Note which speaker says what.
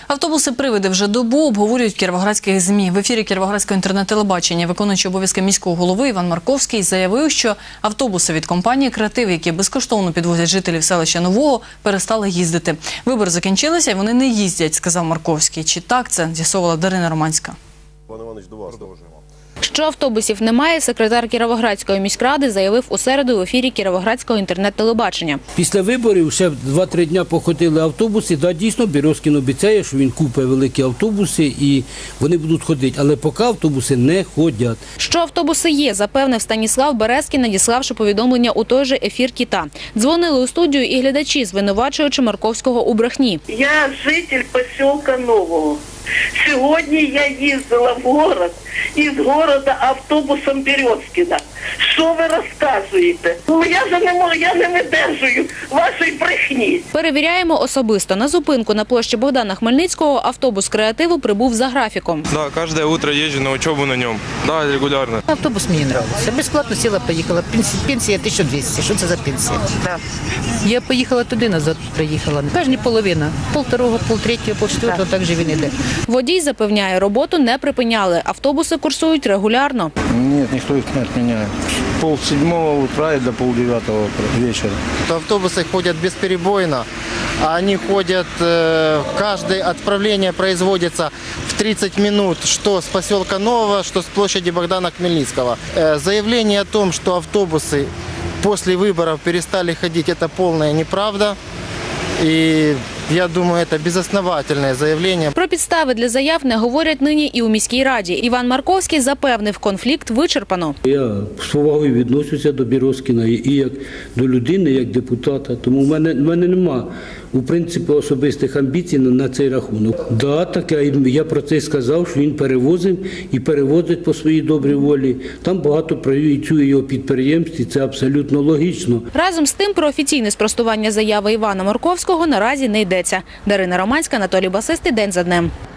Speaker 1: Автобуси-привиди вже добу обговорюють в кіровоградських ЗМІ. В ефірі Кіровоградського інтернет-телебачення виконуючий обов'язки міського голови Іван Марковський заявив, що автобуси від компанії «Креатив», які безкоштовно підвозять жителів селища Нового, перестали їздити. Вибори закінчилися і вони не їздять, сказав Марковський. Чи так це, з'ясовувала Дарина Романська.
Speaker 2: Що автобусів немає, секретар Кіровоградської міськради заявив у середу в ефірі Кіровоградського інтернет-телебачення.
Speaker 3: Після виборів ще 2-3 дні походили автобуси. Да, дійсно, Березкін обіцяє, що він купить великі автобуси і вони будуть ходити. Але поки автобуси не ходять.
Speaker 2: Що автобуси є, запевнив Станіслав Березкін, надіславши повідомлення у той же ефір «Кіта». Дзвонили у студію і глядачі, звинувачуючи Марковського у брехні.
Speaker 4: Я житель поселка Нового. Сьогодні я їздила в город із города автобусом Березкіна. Що ви розказуєте? Ну я вже не можу, я не видержую вашої брехні.
Speaker 2: Перевіряємо особисто. На зупинку на площі Богдана Хмельницького автобус «Креативу» прибув за графіком.
Speaker 5: Да, каждое утро езжу на учебу на нем. Да, регулярно.
Speaker 6: Автобус мені подобається. Безплатно сіла, поїхала. Пенсія 1200. Що це за пенсія? Да. Я поїхала туди, назад приїхала. Кожні половина. Полторого, полтретього, полчетвертого, так же він іде.
Speaker 2: Водій запевняє, роботу не припиняли. Автобуси курсують регулярно.
Speaker 7: Нет, никто их не отменяет. 7:30 утра и до 8:30 вечера.
Speaker 8: Автобусы ходят бесперебойно. Они ходят, каждое отправление производится в 30 минут, что с поселка Нового, что с площади Богдана Хмельницкого. Заявление о том, что автобусы после выборов перестали ходить, это полная неправда. И я думаю, це безосновательне заявлення.
Speaker 2: Про підстави для заяв не говорять нині і у міській раді. Іван Марковський запевнив, конфлікт вичерпано.
Speaker 3: Я з повагою відношуся до Березкіна і як до людини, як депутата. Тому в мене нема, у принципі, особистих амбіцій на цей рахунок. Да, так, я про це сказав, що він перевозив і перевозить по своїй добрій волі. Там багато працює його підприємств, і це абсолютно логічно.
Speaker 2: Разом з тим, про офіційне спростування заяви Івана Марковського наразі не йдеться. Дарина Романська, Анатолій Басистий, День за днем.